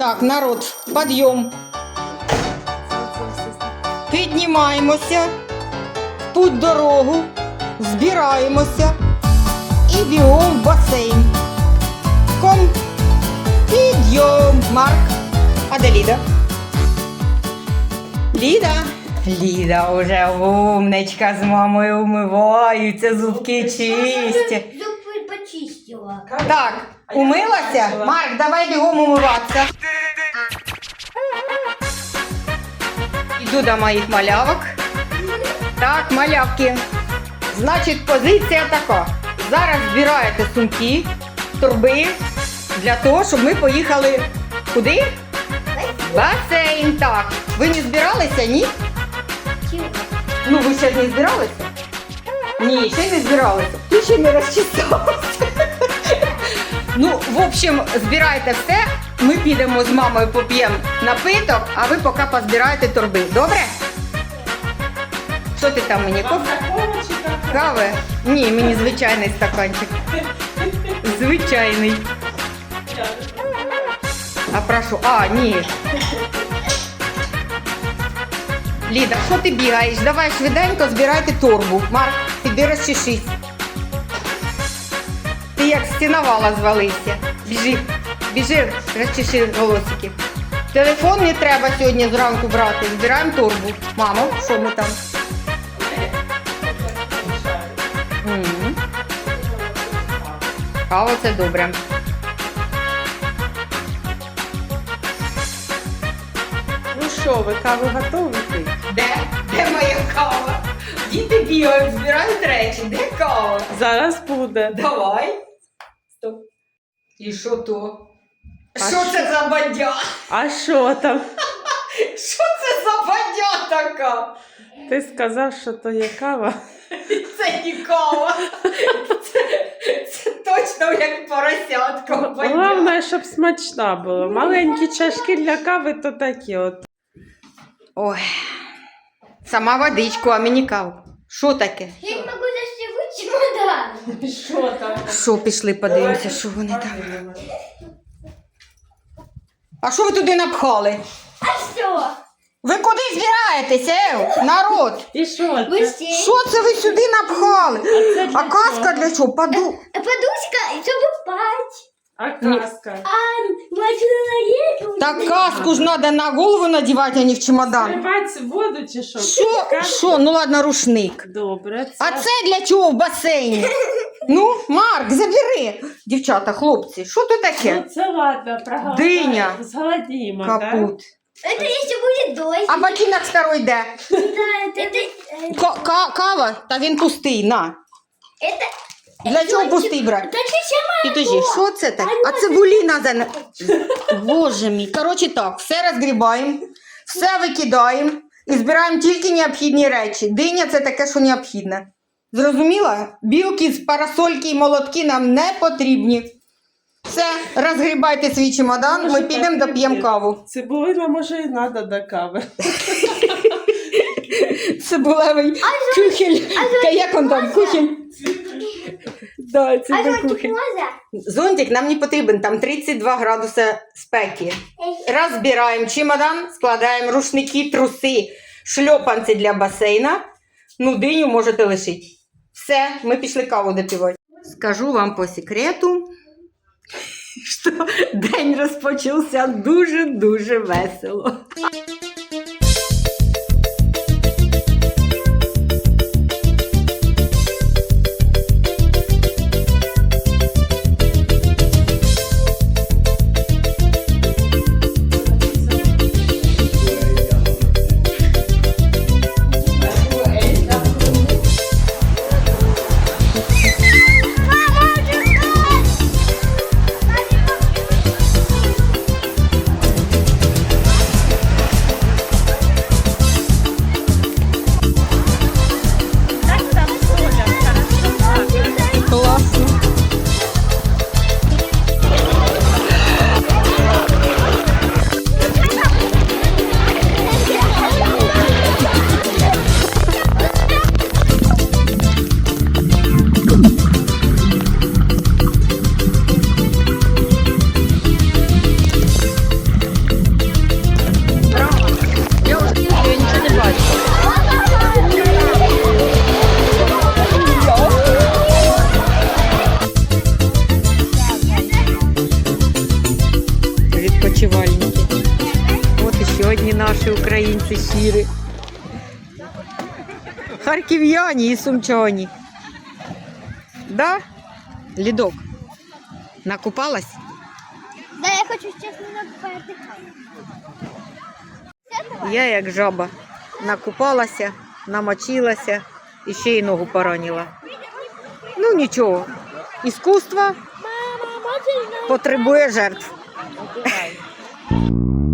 Так, народ, підйом. Піднімаємося, в путь дорогу, збираємося і бігом в басейн. Підйом. Марк, а де Ліда? Ліда вже умничка з мамою умиваються, зубки чисті. Зубы почистила. Так, умилася? Марк, давай бігом умиватися. Іду до моїх малявок. Так, малявки. Значить, позиція така. Зараз збираєте сумки, торби для того, щоб ми поїхали куди? В басейн. Так. Ви не збиралися, ні? Чего? Ну, ви ще не збиралися? Ні, ще не збиралися. Ти ще не розчесалася. Ну, в общем, збирайте все. Ми підемо з мамою поп'ємо напиток, а ви поки позбираєте торби. Добре? Що ти там мені? Кави? Ні, мені звичайний стаканчик. Звичайний. А прошу. А, ні. Ліда, що ти бігаєш? Давай швиденько збирайте торбу. Марк, піди розчешись. Ти як стіновала звалився. Біжи, розчеши волосики. Телефон не треба сьогодні зранку брати. Збираємо торбу. Мамо, що ми там? Кава це добре. Ну що, ви каву готові пити? Де моя кава? Діти бігають, збирають речі. Де кава? Зараз буде. Давай. Стоп. І що то? А Що це за бадя? А що там? Що це за бадя така? Ти сказав, що то є кава? Це не кава. Це точно як поросятка бадя. Головне, щоб смачна була. Маленькі чашки для кави то такі от. Ой. Сама водичку, а мені каву. Що таке? Я не могу застегнуть чемодан. Що там? Що, пішли подивимося, що вони там. А що ви туди напхали? А что? Ви куди збираєтеся, народ? І що це? Быстрее. Що це ви сюди напхали? це для А каска чого? для чого? Подушка, чтобы спать. А каска? Человек. Так каску ж треба на голову надівати, а не в чемодан. Сливати воду чи що? Що? Що? Ну ладно, рушник. Добре. А це для чого в басейні? Ну, Марк, забери. Дівчата, хлопці, що тут таке? Ну це ладно, проголодаємо. Диня. Зголодімо, так? Капут. Это если будет дождь. А ботинок старий де? Да, это... Кава? Та він пустий, на. Это... Для чого пустий брати? Да чуть-чуть Підожди, що це таке? А цибуліна за... Боже мій. Коротше так, все розгрібаємо, все викидаємо і збираємо тільки необхідні речі. Диня – це таке, що необхідне. Зрозуміла? Білки з парасольки і молотки нам не потрібні. Все, розгрібайте свій чемодан, ми підемо доп'ємо каву. Цибулина, може, і треба до кави. Цибулевий кухель. Як он там? Кухель? Да, це А до зонтик кухель. можно? Зонтик нам не потрібен, там 32 градуси спеки. Розбираємо чемодан, складаємо рушники, труси, шльопанці для басейна. Ну, диню можете лишити. Все, ми пішли каву допивати. Скажу вам по секрету, що день розпочався дуже-дуже весело. відпочивальники. От і ще одні наші українці щирі. Харків'яні і сумчані. Да? Лідок, накупалась? Да, я хочу честно поотдыхать. Я як жаба. Накупалася, намочилася і ще й ногу поранила. Ну нічого, іскусство потребує жертв.